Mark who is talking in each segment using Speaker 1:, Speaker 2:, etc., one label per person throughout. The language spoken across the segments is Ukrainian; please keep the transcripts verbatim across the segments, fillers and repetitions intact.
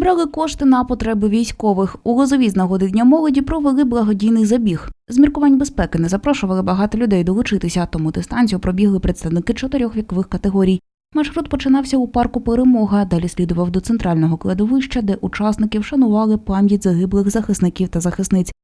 Speaker 1: Зібрали кошти на потреби військових. У Лозові з нагоди Дня молоді провели благодійний забіг. З міркувань безпеки не запрошували багато людей долучитися, тому дистанцію пробігли представники чотирьох вікових категорій. Маршрут починався у парку «Перемога», далі слідував до центрального кладовища, де учасники вшанували пам'ять загиблих захисників та захисниць.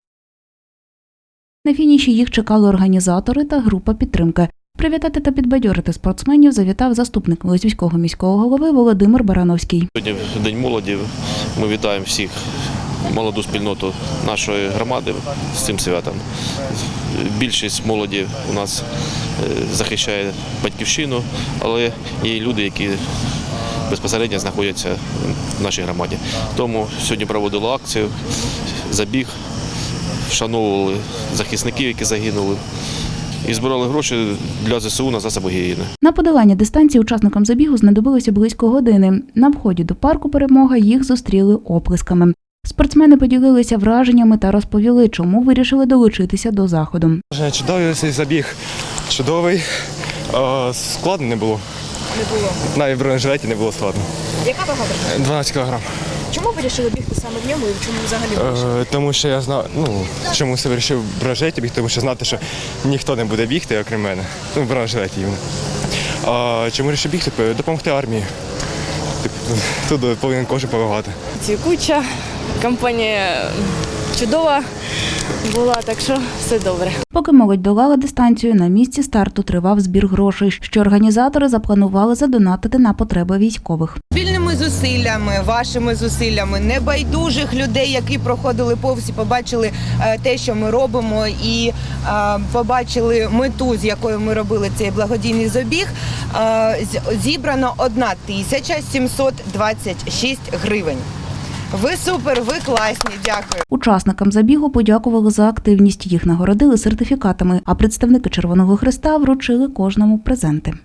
Speaker 1: На фініші їх чекали організатори та група підтримки. Привітати та підбадьорити спортсменів завітав заступник Лозівського міського голови Володимир Барановський.
Speaker 2: Сьогодні День молоді. Ми вітаємо всіх молоду спільноту нашої громади з цим святом. Більшість молоді у нас захищає батьківщину, але є люди, які безпосередньо знаходяться в нашій громаді. Тому сьогодні проводили акцію, забіг, вшановували захисників, які загинули. І збирали гроші для зе се у на засоби гігієни.
Speaker 1: На подолання дистанції учасникам забігу знадобилося близько години. На вході до парку «Перемога» їх зустріли оплесками. Спортсмени поділилися враженнями та розповіли, чому вирішили долучитися до заходу.
Speaker 3: Чудовий цей забіг, чудовий. Складно не було.
Speaker 4: Не було.
Speaker 3: Навіть в бронежилеті не було складно.
Speaker 4: Яка вага виходить?
Speaker 3: дванадцять кілограм.
Speaker 4: Чому вирішили бігти саме в ньому і чому взагалі вирішили?
Speaker 3: Е, тому що я знав, ну, чому я вирішив в бронежилеті бігти, тому що знати, що ніхто не буде бігти, окрім мене. Ну, в бронежилеті. А чому вирішив бігти? Допомогти армії. Тут повинен кожен допомагати.
Speaker 5: Цвікуча, компанія чудова була, так що все добре.
Speaker 1: Поки молодь долала дистанцію, на місці старту тривав збір грошей, що організатори запланували задонатити на потреби військових.
Speaker 6: Спільними зусиллями, вашими зусиллями, небайдужих людей, які проходили повз і побачили те, що ми робимо, і побачили мету, з якою ми робили цей благодійний забіг, зібрано одна тисяча сімсот двадцять шість гривень. Ви супер, ви класні, дякую.
Speaker 1: Учасникам забігу подякували за активність, їх нагородили сертифікатами, а представники Червоного Хреста вручили кожному презенти.